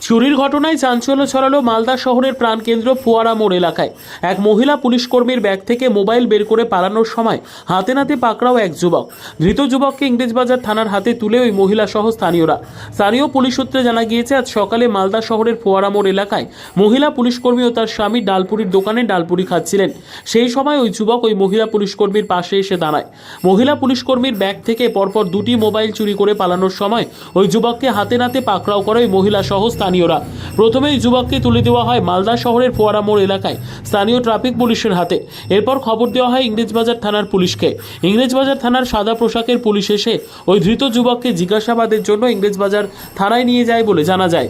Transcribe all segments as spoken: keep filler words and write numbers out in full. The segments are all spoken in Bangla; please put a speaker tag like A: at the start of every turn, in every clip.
A: চুরির ঘটনায় চাঞ্চল্য ছড়ালো মালদা শহরের প্রাণকেন্দ্র ফোয়ারা মোড় এলাকায়। এক মহিলা পুলিশ কর্মীর ব্যাগ থেকে মোবাইল বের করে পালানোর সময় হাতে নাতে পাকড়াও এক যুবক। ধৃত যুবককে ইংরেজবাজার থানার হাতে তুলে ওই মহিলা সহ স্থানীয়রা। স্থানীয় পুলিশ সূত্রে জানা গিয়েছে, আজ সকালে মালদা শহরের ফোয়ারা মোড় এলাকায় মহিলা পুলিশ কর্মী ও তার স্বামী ডালপুরির দোকানে ডালপুরি খাচ্ছিলেন। সেই সময় ওই যুবক ওই মহিলা পুলিশ কর্মীর পাশে এসে দাঁড়ায়। মহিলা পুলিশ কর্মীর ব্যাগ থেকে পরপর দুটি মোবাইল চুরি করে পালানোর সময় ওই যুবককে হাতে নাতে পাকড়াও করে ওই মহিলা সহ স্থানীয়রা। প্রথমে এই যুবককে তুলে দেওয়া হয় মালদা শহরের ফোয়ারা মোড় এলাকায় স্থানীয় ট্রাফিক পুলিশের হাতে। এরপর খবর দেওয়া হয় ইংরেজবাজার থানার পুলিশকে। ইংরেজবাজার থানার সাদা পোশাকের পুলিশ এসে ওই ধৃত যুবককে জিজ্ঞাসাবাদের জন্য ইংরেজবাজার থানায় নিয়ে যায় বলে জানা যায়।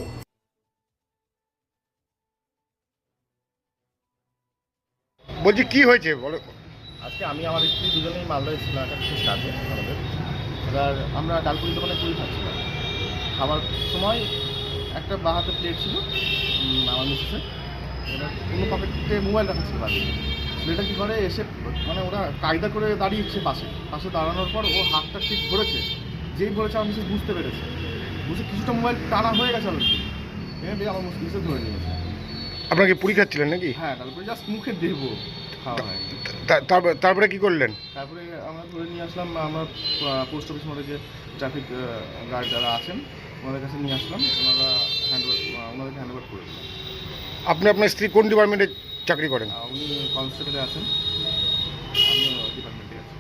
B: বলছি কি হয়েছে বলো।
C: আজকে আমি আমার স্ত্রী দুজনেই মালদা এসেছিলাম একটা বিশেষ কাজে আমাদের। এবার আমরা ডালপুরি দোকানে পুরি খাচ্ছিলাম। খাবার সময় একটা বাঁ হাতে প্লেট ছিল আমার মিসেসের, এবার অন্য পকেটে মোবাইল রাখা ছিল বাড়ি। ছেলেটা কী করে এসে মানে ওরা কায়দা করে দাঁড়িয়েছে পাশে পাশে দাঁড়ানোর পর ও হাতটা ঠিক ধরেছে। যেই ধরেছে আমার মিসেস বুঝতে পেরেছে, বুঝে কিছুটা মোবাইল টানা হয়ে গেছে অলরেডি, এনে আমার মিসেস ধরে নিয়েছে।
B: আপনাকে পুরি খাচ্ছিলেন নাকি?
C: হ্যাঁ, ডালপুরি জাস্ট মুখে দেবো খাওয়া হয়।
B: তা- তারপরে তারপরে কি করলেন?
C: তারপরে আমরা ধরে নিয়ে আসলাম আমরা পোস্ট অফিস মোড়ে যে ট্রাফিক গার্ড যারা আছেন ওনাদের কাছে নিয়ে আসলাম। ওনারা হ্যান্ড ওনাদেরকে হ্যান্ড ওভার করে দিলাম।
B: আপনি আপনার স্ত্রী কোন ডিপার্টমেন্টে চাকরি করেন?
C: আহ, উনি কনস্টেবলে আছেন, আমি ডিপার্টমেন্টে আছি।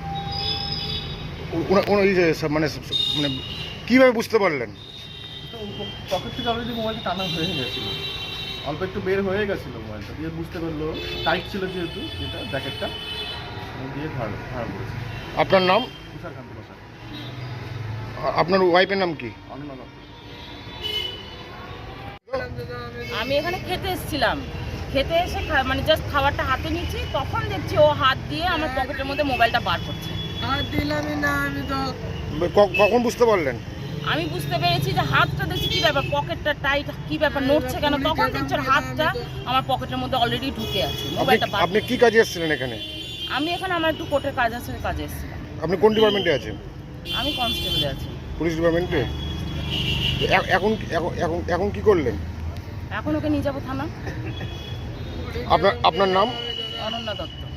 B: উ- ওনা- ওনা- এই যে সব মানে মানে কীভাবে বুঝতে পারলেন?
C: তো পকেট থেকে অলরেডি মোবাইলটা টানা হয়ে গেছিলো, অল্প একটু বের হয়ে গেছিলো মোবাইলটা, দিয়ে বুঝতে পারলো টাইট ছিল যেহেতু যেটা জ্যাকেটটা দিয়ে ধার ধার করেছে।
B: আপনার নাম?
C: তুষার কান্তি বসাক,
B: আ- আপনার ওয়াইফের নাম কি?
C: অনন্য দত্ত।
D: আমি এখানে খেতে এসেছিলাম, খেতে এসে খা- মানে জাস্ট খাবারটা হাতে নিচ্ছি, তখন দেখছি ও হাত দিয়ে আমার পকেটের মধ্যে মোবাইলটা বার করছে।
B: ক- কখন বুঝতে পারলেন?
D: আমি বুঝতে পেরেছি যে হাতটা দেখছি কি ব্যাপার, পকেটটা টাইট, কি ব্যাপার নড়ছে কেন, তখন দেখছি ওর হাতটা আমার পকেটের মধ্যে অলরেডি ঢুকে আছে, মোবাইলটা
B: আপনি-
D: বার।
B: আপনি কি কাজে এসেছিলেন এখানে?
D: আমি এখানে আমার একটু কোর্টের কাজ আছে, ওই কাজে এসেছিলাম।
B: আপনি কোন ডিপার্টমেন্টে আছেন?
D: আমি কনস্টেবলে আছি।
B: পুলিশ ডিপার্টমেন্টে? এ- এখন এখন এখন এখন কি করলেন?
D: এখন ওকে নিয়ে যাবো থানা।
B: আপনার আপনার নাম?
D: অনন্য দত্ত।